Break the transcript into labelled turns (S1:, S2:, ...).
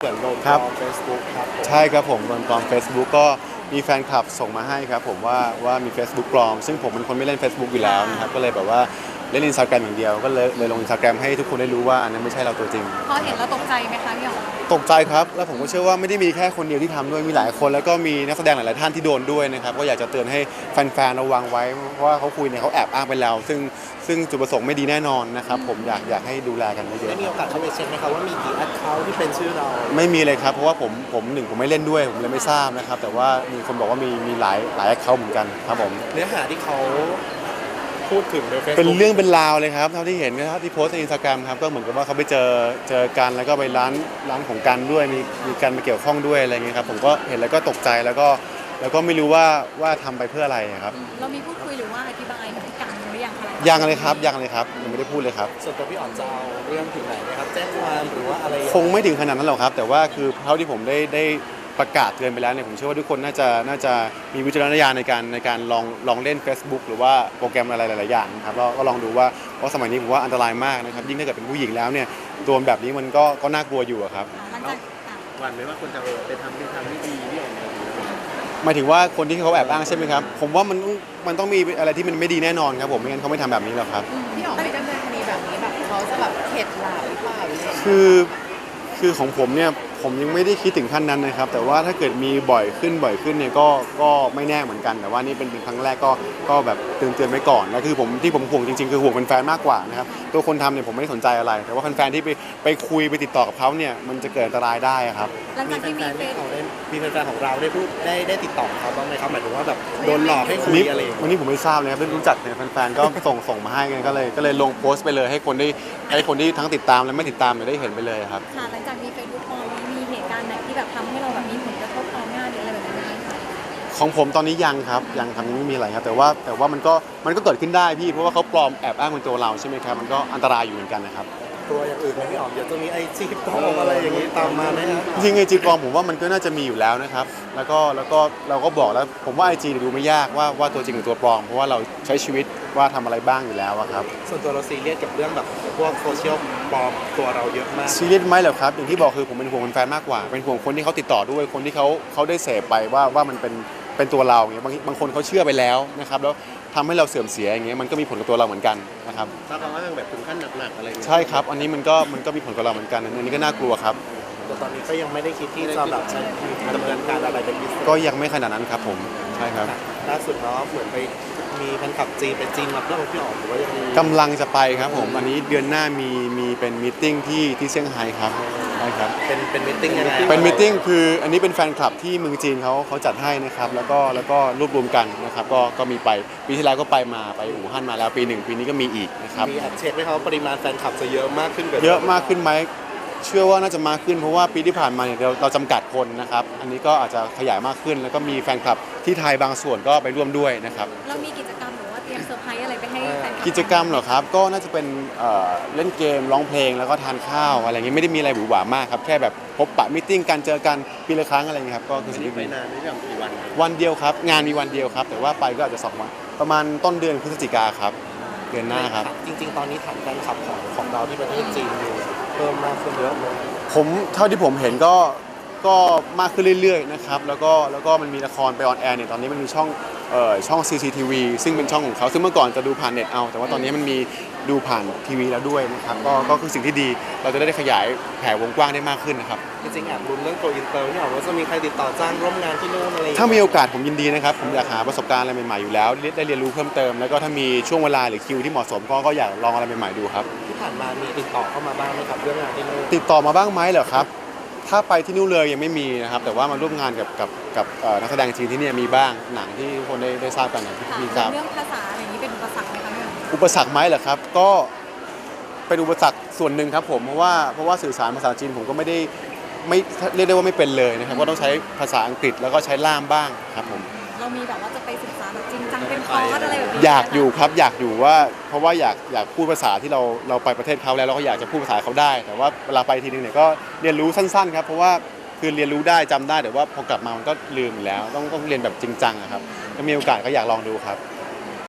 S1: เหมือนโดนปลอม Facebook ครับผม
S2: ใช่ครับผมตอนปลอม Facebook ก็มีแฟนคลับส่งมาให้ครับผมว่ามี Facebook ปลอมซึ่งผมเป็นคนไม่เล่น Facebook อยู่แล้วนะครับก็เลยแบบว่าเล่น Instagram อย่างเดียวก็เลยลง Instagram ให้ทุกคนได้รู้ว่าอันนั้นไม่ใช่เราตัวจริง
S3: พอเห็นแล้วตกใจไหมคะพี่อ๋อ
S2: ตกใจครับแล้วผมก็เชื่อว่าไม่ได้มีแค่คนเดียวที่ทำด้วยมีหลายคนแล้วก็มีนักแสดงหลายๆท่านที่โดนด้วยนะครับก็อยากจะเตือนให้แฟนๆระวังไว้เพราะว่าเขาคุยเนี่ยเขาแอบอ้างไปแล้วซึ่งจุดประสงค์ไม่ดีแน่นอนนะครับผมอยากให้ดูแลกันเยอะ
S1: ได้มีโอกาสเข้าไปเช็คไหมครับว่ามีกี่ account ที่เป็นชื่อเรา
S2: ไม่มีเลยครับเพราะว่าผมไม่เล่นด้วยผมเลยไม่ทราบนะครับแต่ว่ามีคนบอกว่ามีหลายแอคเคาท์เหมือนกันครับผม
S1: เนื้อหาที่เขาพูดถึงใน Facebook
S2: เป็นเรื่องเป็นราวเลยครับเท่าที่เห็นนะครับที่โพสต์ใน Instagram ครับก็เหมือนกับว่าเขาไปเจอกันแล้วก็ไปร้านของกันด้วยมีการมาเกี่ยวข้องด้วยอะไรเงี้ยครับผมก็เห็นแล้วก็ตกใจแล้วก็ไม่รู้ว่าทำไปเพื่ออะไรครับ
S3: เรามีพูดคุยหรือว่าอธิบายพฤติกรรมหรือยังคะ
S2: ยังเลยครับยังไม่ได้พูดเลยครับ
S1: ส่วนตัวพี่อ๋อนจะเอาเรื่องถึงไหนไหมครับแจ้งความหรือว่าอะไร
S2: คงไม่ถึงขนาดนั้นหรอกครับแต่ว่าคือเท่าที่ผมได้ประกาศเตือนไปแล้วเนี่ยผมเชื่อว่าทุกคนน่าจะมีวิจารณญาณในการลองเล่น Facebook หรือว่าโปรแกรมอะไรหลายๆอย่างครับก็ลองดูว่าเพราะสมัยนี้ผมว่าอันตรายมากนะครับยิ่งถ้าเกิดเป็นผู้หญิงแล้วเนี่ยโดนแบบนี้มันก็น่ากลัวอยู่ครับ
S3: หลังจาก
S1: หวั่นไหมว่าคนจะไปทำในทางที่ดีพี่อ๋อน
S2: หมายถึงว่าคนที่เขาแอบอ้างใช่ไหมครับผมว่ามันต้องมีอะไรที่มันไม่ดีแน่นอนครับผมไม่งั้นเขาไม่ทำแบบนี้หรอกครับ
S4: พี่อ๋อไม่ดำเนินคดีแบบนี้แบบเขาจะแบบเข็ดหลาบหรือเปล่าหรืออะไร
S2: คือของผมเนี่ยผมยังไม่ได้คิดถึงขั้นนั้นนะครับแต่ว่าถ้าเกิดมีบ่อยขึ้นเนี่ยก็ไม่แน่เหมือนกันแต่ว่านี่เป็นครั้งแรกก็แบบเตือนไว้ก่อนแล้วคือที่ผมห่วงจริงๆคือห่วงแฟนๆมากกว่านะครับตัวคนทำเนี่ยผมไม่ได้สนใจอะไรแต่ว่าแฟนๆที่ไปคุยไปติดต่อกับเขาเนี่ยมันจะเกิดอันตรายได้ครับ
S3: หลังจากที่มี
S1: แฟนของเราได้พูดได้ติดต่อเขาบ้างไหมครับหมายถึงว่าแบบโดนหลอกให้คุยอะไร
S2: วันนี้ผมไม่ทราบเลยครับไม่รู้จักเนี่ยแฟนๆก็ส่งมาให้กันก็เลยลงโพสต์ไปเลยให้คนที่ทั้งติดตามและไม่ติดตามได้เห็นไปเลยครับ
S3: ค่ะหลังจากมีเฟซบุ๊กปลอมมีเหตุการณ์ไหนที่แบบทำให้เราแบบมีผลกระทบต่องานหรืออะไรแบบนี้ไหมคะ
S2: ของผมตอนนี้ยังครับยังไม่มีอะไรครับแต่ว่ามันก็เกิดขึ้นได้พี่เพราะว่าเขาปลอมแอบอ้างเป็นตัวเราใช่ไหมครับมันก็อันตรายอยู่เหมือนกันนะครับ
S1: ตัวอย่างอื่นพี่อ๋อมเดี๋ยวจะมีIGปลอมอะไรอย่างนี้ตามมาไหมครับ
S2: จริงIGปลอมผมว่ามันก็น่าจะมีอยู่แล้วนะครับแล้วก็เราก็บอกแล้วผมว่าIGดูไม่ยากว่าตัวจริงหรือตัวปลอมเพราะว่าเราใช้ชีวิตว่าทำอะไรบ้างอยู่แล้วครับ
S1: ส่วนตัวเราซีเรียสกับเรื่องแบบพวกโซเชียลปลอมตัวเราเยอะมาก
S2: ซีเรียสไหมเหรอครับอย่างที่บอกคือผมเป็นห่วงแฟนมากกว่าเป็นห่วงคนที่เขาติดต่อด้วยคนที่เขาได้เสพไปว่ามันเป็นตัวเราอย่างเงี้ยบางคนเขาเชื่อไปแล้วนะครับแล้วทำให้เราเสื่อมเสียอย่างเงี้ยมันก็มีผลกับตัวเราเหมือนกันนะครับ
S1: ถ้าเขาอ้างแบบถึงขั้นหนักๆอะไร
S2: ใช่ครับอันนี้มันก็มีผลกับเราเหมือนกันอันนี้ก็น่ากลัวครับ
S1: แต่ตอนนี้ก็ยังไม่ได้คิดที่จะแบบดำเนินการอะไรเป็นพิเศษ
S2: ก็ยังไม่ขนาดนั้นครับผมใช่ครับ
S1: ล่าสุดเนาะเหมือนไปมีแฟนคลับจีนไปจีนมาเพื่อพี่อ๋อมหรือว่ายัง
S2: กำลังจะไปครับผมอันนี้เดือนหน้ามีเป็นมีตติ้งที่เซี่ยงไฮ้ครับใช่ครับ
S1: เป็นมีตติ้งยังไง
S2: เป็นมีตติ้งคืออันนี้เป็นแฟนคลับที่เมืองจีนเขาจัดให้นะครับแล้วก็รวบรวมกันนะครับก็มีไปปีที่แล้วก็ไปอู่ฮั่นมาแล้วปีนี้ก็มีอีกนะครับ
S1: มีเช็คไหมครับปริมาณแฟนคลับจะเยอะมากขึ้น
S2: เยอะมากขึ้นไหมเชื่อว่าน่าจะมากขึ้นเพราะว่าปีที่ผ่านมาเนี่ยเราจำกัดคนนะครับอันนี้ก็อาจจะขยายมากขึ้นแล้วก็มีแฟนคลับที่ไทยบางส่วนก็ไปร่วมด้วยนะครับ
S3: เรามีกิจกรรมหรือว่าเตรียมเซอร์ไพรส์อะไรไปให้แฟนคลับ
S2: กิจกรรมเหรอครับก็น่าจะเป็นเล่นเกมร้องเพลงแล้วก็ทานข้าวอะไรเงี้ยไม่ได้มีอะไรหวือหวามากครับแค่แบบพบปะมีตติ้งกันเจอกันปีละครั้งอะไรเงี้ยครับก็คือสิ่งที่
S1: ไปนานไม่ใช่กี่
S2: วันเดียวครับงานมีวันเดียวครับแต่ว่าไปก็อาจจะ2 วันประมาณต้นเดือนพฤศจิกาครับเดือนหน้าครับ
S1: จริงๆตอนนี้ฐานแฟนคลับของเราที่ประเทศจีนอยู่เพิ่มมากขึ้นเยอะเลย
S2: ผมเท่าที่ผมเห็นก็มากขึ้นเรื่อยๆนะครับแล้วก็มันมีละครไปออนแอร์เนี่ยตอนนี้มันมีช่อง CCTV ซึ่งเป็นช่องของเขาซึ่งเมื่อก่อนจะดูผ่านเน็ตเอาแต่ว่าตอนนี้มันมีดูผ่านทีวีแล้วด้วยนะครับก็คือสิ่งที่ดีเราจะได้ขยายแผ่วงกว้างได้มากขึ้นนะครับ
S1: จริงๆแอบลุ้นเรื่องโกอินเตอร์นี่หรอว่าจะมีใครติดต่อจ้างร่วมงานที่นู่นอะไร
S2: ถ้ามีโอกาสผมยินดีนะครับผมอยากหาประสบการณ์อะไรใหม่ๆอยู่แล้วได้เรียนรู้เพิ่มเติมแล้วก็ถ้ามีช่วงเวลาหรือคิวที่เหมาะสมก็อยากลองอะไรใหม่ๆดูครับ
S1: ที่ผ่านมามีติดต่อเข้ามาบ้างไหมครับเรื่องงานที่นู่น
S2: ติดต่อมาบ้างไหมเหรอครับถ้าไปที่นู่นเลยยังไม่มีนะครับแต่ว่ามาร่วมงานกับนักแสดงจีนที่นี่มีบ้างหนังที่คนได้ทราบกันที่มีทราบ
S3: เรื่องภาษาอะไรอย่างนี้เป็นอุปสรรคไหมคะ
S2: อุปสรรคไหมเหรอครับก็เป็นอุปสรรคส่วนหนึ่งครับผมเพราะว่าสื่อสารภาษาจีนผมก็ไม่เรียกได้ว่าไม่เป็นเลยนะครับก็ต้องใช้ภาษาอังกฤษแล้วก็ใช้ล่ามบ้างครับผม
S3: เรามีแบบว่าจะไปศึกษาแบบจริงจังเป็นคอร์สอะไรแบบนี้
S2: อยากอยู่ครับอยากอยู่ว่าเพราะว่าอยากพูดภาษาที่เราไปประเทศเขาแล้วเราก็อยากจะพูดภาษาเขาได้แต่ว่าเวลาไปทีนึงเนี่ยก็เรียนรู้สั้นๆครับเพราะว่าคือเรียนรู้ได้จำได้แต่ว่าพอกลับมามันก็ลืมแล้วต้องเรียนแบบจริงจังครับถ้ามีโอกาสก็อยากลองดูครับ